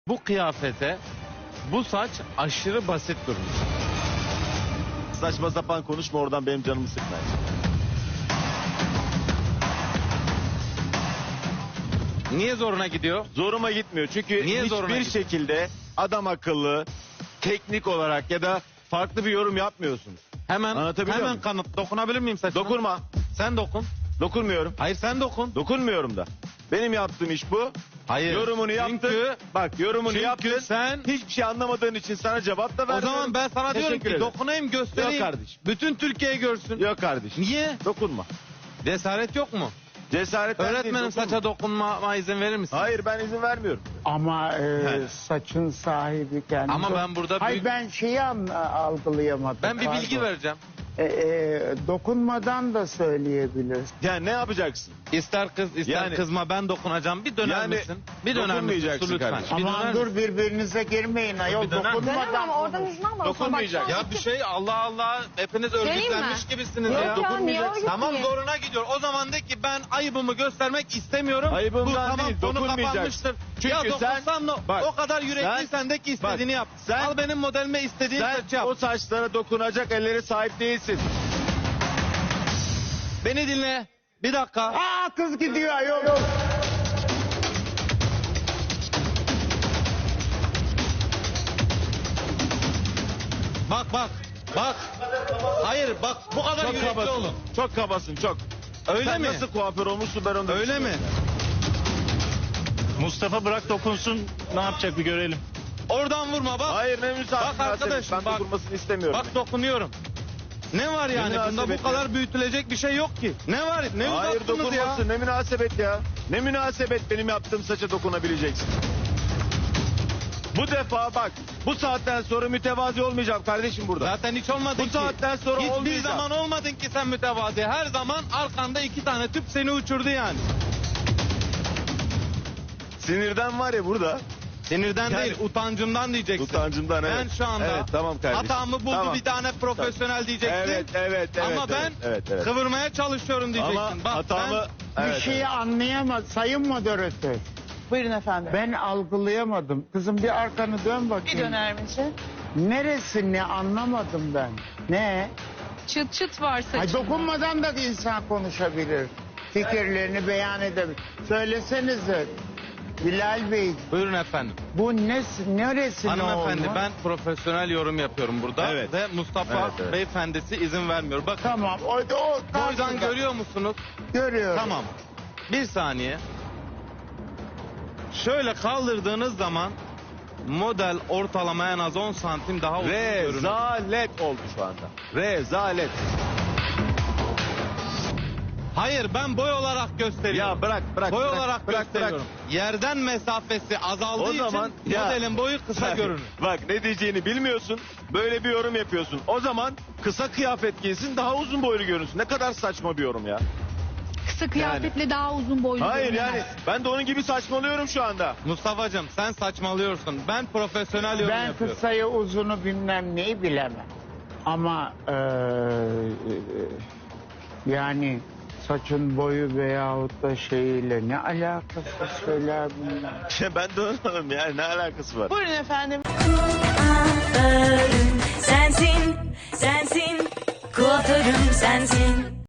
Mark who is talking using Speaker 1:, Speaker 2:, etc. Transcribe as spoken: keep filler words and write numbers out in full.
Speaker 1: Bu kıyafete bu saç aşırı basit durmuş.
Speaker 2: Saçma sapan konuşma, oradan benim canımı sıkma.
Speaker 1: Niye zoruna gidiyor?
Speaker 2: Zoruma gitmiyor çünkü
Speaker 1: Niye zoruna
Speaker 2: hiçbir
Speaker 1: gidiyor?
Speaker 2: şekilde adam akıllı, teknik olarak ya da farklı bir yorum yapmıyorsun.
Speaker 1: Hemen
Speaker 2: Anlatabiliyor
Speaker 1: hemen
Speaker 2: muyum?
Speaker 1: kanıt. Dokunabilir miyim saçına?
Speaker 2: Dokunma.
Speaker 1: Sen dokun.
Speaker 2: Dokunmuyorum.
Speaker 1: Hayır sen dokun.
Speaker 2: Dokunmuyorum da. Benim yaptığım iş bu.
Speaker 1: Hayır.
Speaker 2: Yorumunu yaptın.
Speaker 1: Çünkü,
Speaker 2: Bak yorumunu
Speaker 1: çünkü
Speaker 2: yaptın.
Speaker 1: sen...
Speaker 2: Hiçbir şey anlamadığın için sana cevap da
Speaker 1: O
Speaker 2: vermiyorum.
Speaker 1: zaman ben sana diyorum
Speaker 2: Teşekkür
Speaker 1: ki
Speaker 2: ederim.
Speaker 1: dokunayım göstereyim.
Speaker 2: Yok kardeşim.
Speaker 1: Bütün Türkiye görsün.
Speaker 2: Yok kardeşim.
Speaker 1: Niye?
Speaker 2: Dokunma.
Speaker 1: Cesaret yok mu?
Speaker 2: Cesaret
Speaker 1: Öğretmenim saça dokunmama izin verir misin?
Speaker 2: Hayır, ben izin vermiyorum.
Speaker 3: Ama e,
Speaker 2: He.
Speaker 3: saçın sahibi kendi.
Speaker 1: Ama ben burada
Speaker 3: Hayır,
Speaker 1: büyük-
Speaker 3: ben şeyi an- algılayamadım.
Speaker 1: Ben bir bilgi
Speaker 3: Pardon.
Speaker 1: vereceğim.
Speaker 3: E, e, dokunmadan da söyleyebilirsin.
Speaker 2: Yani ne yapacaksın?
Speaker 1: İster kız ister
Speaker 2: Yani-
Speaker 1: kızma ben dokunacağım. Bir döner
Speaker 2: Yani
Speaker 1: misin? Bir döner misin?
Speaker 2: dokunmayacaksın
Speaker 1: Su lütfen.
Speaker 2: kardeşim.
Speaker 1: Bir
Speaker 3: Aman
Speaker 1: döner
Speaker 3: dur,
Speaker 1: misin?
Speaker 3: birbirinize girmeyin ayol.
Speaker 1: Bir döner misin?
Speaker 4: Dönemem
Speaker 3: Dokunmadan
Speaker 4: ama oradan
Speaker 3: konuş.
Speaker 4: izin almadım.
Speaker 2: Dokunmayacak.
Speaker 1: Ya bir şey Allah Allah hepiniz
Speaker 4: Söyleyeyim
Speaker 1: örgütlenmiş
Speaker 4: mi?
Speaker 1: gibisiniz
Speaker 4: Yok
Speaker 1: ya.
Speaker 4: ya, niye
Speaker 2: Dokunmayacaksın.
Speaker 4: örgütleyeyim?
Speaker 1: Tamam zoruna gidiyor. O zaman de ki ben ayıbımı göstermek istemiyorum.
Speaker 2: Ayıbımdan
Speaker 1: Bu tamam
Speaker 2: değil,
Speaker 1: konu
Speaker 2: dokunmayacaksın.
Speaker 1: kapanmıştır.
Speaker 2: Çünkü
Speaker 1: ya
Speaker 2: sen-
Speaker 1: dokunsam ne?
Speaker 2: bak,
Speaker 1: O kadar yürekliysen de ki istediğini
Speaker 2: bak,
Speaker 1: yap.
Speaker 2: sen-
Speaker 1: Al benim modelime istediğin
Speaker 2: Sen
Speaker 1: saçı yap.
Speaker 2: o saçlara dokunacak ellere sahip değilsin.
Speaker 1: Beni dinle. Bir dakika.
Speaker 3: Aa, kız gidiyor ayol.
Speaker 1: Bak bak. Bak. Hayır bak bu kadar
Speaker 2: Çok
Speaker 1: yürekli
Speaker 2: kabasın.
Speaker 1: olun.
Speaker 2: Çok kabasın, çok.
Speaker 1: Öyle
Speaker 2: Sen
Speaker 1: mi?
Speaker 2: nasıl kuaför olmuşsun ben onu da
Speaker 1: Öyle mi?
Speaker 2: düşünüyorum.
Speaker 5: Mustafa bırak dokunsun, ne yapacak bir görelim.
Speaker 1: Oradan vurma bak.
Speaker 2: Hayır, ne müsaade.
Speaker 1: Bak arkadaşım,
Speaker 2: Ben
Speaker 1: bak.
Speaker 2: dokunmasını istemiyorum.
Speaker 1: Bak dokunuyorum. Ne var yani? Bunda bu
Speaker 2: münasebet
Speaker 1: kadar
Speaker 2: ya?
Speaker 1: büyütülecek bir şey yok ki. Ne var? Ne
Speaker 2: Hayır,
Speaker 1: uzattınız ya?
Speaker 2: dokunmasın. Ne münasebet ya. Ne münasebet benim yaptığım saça dokunabileceksin. Bu defa bak, bu saatten sonra mütevazi olmayacağım kardeşim burada.
Speaker 1: Zaten hiç olmadın
Speaker 2: Bu
Speaker 1: ki.
Speaker 2: saatten sonra
Speaker 1: Hiçbir
Speaker 2: olmayacağım.
Speaker 1: zaman olmadın ki sen mütevazi. Her zaman arkanda iki tane tüp seni uçurdu yani.
Speaker 2: Sinirden var ya burada.
Speaker 1: Sinirden
Speaker 2: Yani-
Speaker 1: değil, utancından diyeceksin.
Speaker 2: Utancımdan, evet.
Speaker 1: Ben şu anda
Speaker 2: Evet, tamam kardeşim.
Speaker 1: hatamı buldu
Speaker 2: Tamam.
Speaker 1: bir tane profesyonel diyeceksin.
Speaker 2: Evet, evet, evet.
Speaker 1: Ama ben
Speaker 2: evet, evet, evet.
Speaker 1: kıvırmaya çalışıyorum diyeceksin.
Speaker 2: Ama
Speaker 1: Bak
Speaker 2: hatamı...
Speaker 1: ben-
Speaker 2: Evet,
Speaker 3: Bir şeyi
Speaker 2: evet.
Speaker 3: anlayamadım. Sayın moderatör.
Speaker 4: Buyurun efendim.
Speaker 3: Ben algılayamadım. Kızım bir arkanı dön
Speaker 4: Bir
Speaker 3: bakayım.
Speaker 4: döner misin?
Speaker 3: Neresi ne anlamadım ben. Ne?
Speaker 6: Çıt çıt var saçında.
Speaker 3: Ay, dokunmadan da insan konuşabilir. Fikirlerini beyan edebilir. Söylesenize Bilal Bey,
Speaker 1: Buyurun efendim.
Speaker 3: bu ne, neresi ne
Speaker 1: Hanımefendi
Speaker 3: olmuş?
Speaker 1: ben profesyonel yorum yapıyorum burada.
Speaker 2: Evet.
Speaker 1: Ve Mustafa
Speaker 2: Evet, evet.
Speaker 1: beyefendisi izin vermiyor. Bakın
Speaker 3: Tamam, o, o
Speaker 1: boydan
Speaker 3: karşıda.
Speaker 1: görüyor musunuz?
Speaker 3: Görüyorum.
Speaker 1: Tamam. Bir saniye. Şöyle kaldırdığınız zaman model ortalama en az on santim daha uzun görünüyor.
Speaker 2: Rezalet oldu şu anda. Rezalet.
Speaker 1: Hayır ben boy olarak gösteriyorum.
Speaker 2: Ya bırak, bırak.
Speaker 1: boy
Speaker 2: bırak,
Speaker 1: olarak
Speaker 2: bırak,
Speaker 1: gösteriyorum. Yerden mesafesi azaldığı
Speaker 2: O zaman
Speaker 1: için
Speaker 2: ya-
Speaker 1: modelin boyu kısa
Speaker 2: Bak,
Speaker 1: görünür.
Speaker 2: Bak ne diyeceğini bilmiyorsun. Böyle bir yorum yapıyorsun. O zaman kısa kıyafet giysin, daha uzun boylu görünsün. Ne kadar saçma bir yorum ya.
Speaker 6: Kısa kıyafetle daha uzun boylu
Speaker 2: Hayır
Speaker 6: görünemez.
Speaker 2: yani ben de onun gibi saçmalıyorum şu anda.
Speaker 1: Mustafa'cığım sen saçmalıyorsun. Ben profesyonel yorum
Speaker 3: Ben
Speaker 1: yapıyorum.
Speaker 3: kısayı uzunu bilmem neyi bilemem. Ama eee, yani saçın boyu veyahut da şeyiyle ne alakası söyler bunlar?
Speaker 2: ben de anlamadım yani, ne alakası var?
Speaker 4: Buyurun efendim.
Speaker 7: Kuaförüm sensin, sensin. Kuaförüm sensin.